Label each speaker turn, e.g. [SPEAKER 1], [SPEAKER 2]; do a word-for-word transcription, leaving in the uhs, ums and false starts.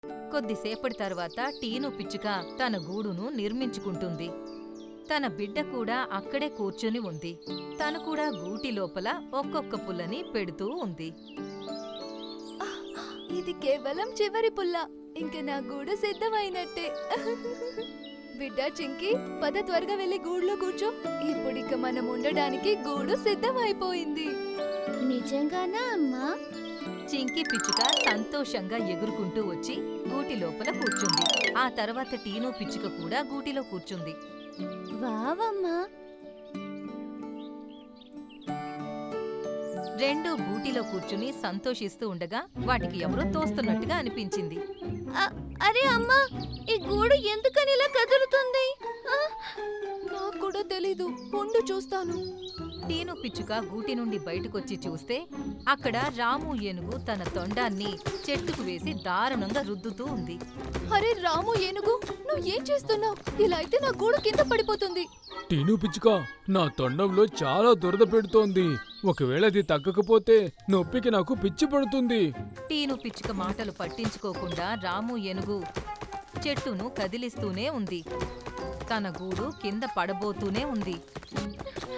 [SPEAKER 1] కొద్దిసేపటి తర్వాత టీను పిచ్చుక తన గూడును నిర్మించుకుంటుంది. తన బిడ్డ కూడా అక్కడే కూర్చుని ఉంది. తను కూడా గూటి లోపల ఒక్కొక్క పుల్లని పెడుతూ ఉంది.
[SPEAKER 2] ఇది కేవలం చివరి పుల్ల. ఇంక నా గూడు సిద్ధమైనట్టే. బిడ్డ చింకి, పద త్వరగా వెళ్లి గూడులో కూర్చో. ఇప్పుడిక మనం ఉండడానికి గూడు సిద్ధమైపోయింది.
[SPEAKER 3] నిజంగానా అమ్మా?
[SPEAKER 1] చింకి పిచ్చుక సంతోషంగా ఎగురుకుంటూ వచ్చి గూటి లోపల కూర్చుంది. ఆ తర్వాత టీను పిచ్చుక కూడా గూటిలో కూర్చుంది.
[SPEAKER 3] వావమ్మా!
[SPEAKER 1] రెండూ గూటిలో కూర్చుని సంతోషిస్తూ ఉండగా వాటికి ఎవరో తోస్తున్నట్టుగా అనిపించింది.
[SPEAKER 3] అరే అమ్మా, ఈ గూడు ఎందుకని ఇలా కదులుతుంది?
[SPEAKER 2] నాకు కూడా తెలీదు, ఉండు చూస్తాను.
[SPEAKER 1] టీను పిచ్చుక గూటి నుండి బయటకొచ్చి చూస్తే అక్కడ రాము ఏనుగు తన తొండాన్ని చెట్టుకు వేసి దారుణంగా రుద్దుతూ ఉంది.
[SPEAKER 2] అరే రాము ఏనుగు, నువ్వు ఏం చేస్తున్నావు? ఇలా అయితే నా గూడు కింద పడిపోతుంది.
[SPEAKER 4] టీను పిచ్చుక, నా తొండంలో చాలా దురద పెడుతోంది. ఒకవేళ అది తగ్గకపోతే నొప్పికి నాకు పిచ్చి పడుతుంది.
[SPEAKER 1] టీను పిచ్చుక మాటలు పట్టించుకోకుండా రాము ఏనుగు చెట్టును కదిలిస్తూనే ఉంది. తన గూడు కింద పడబోతూనే ఉంది.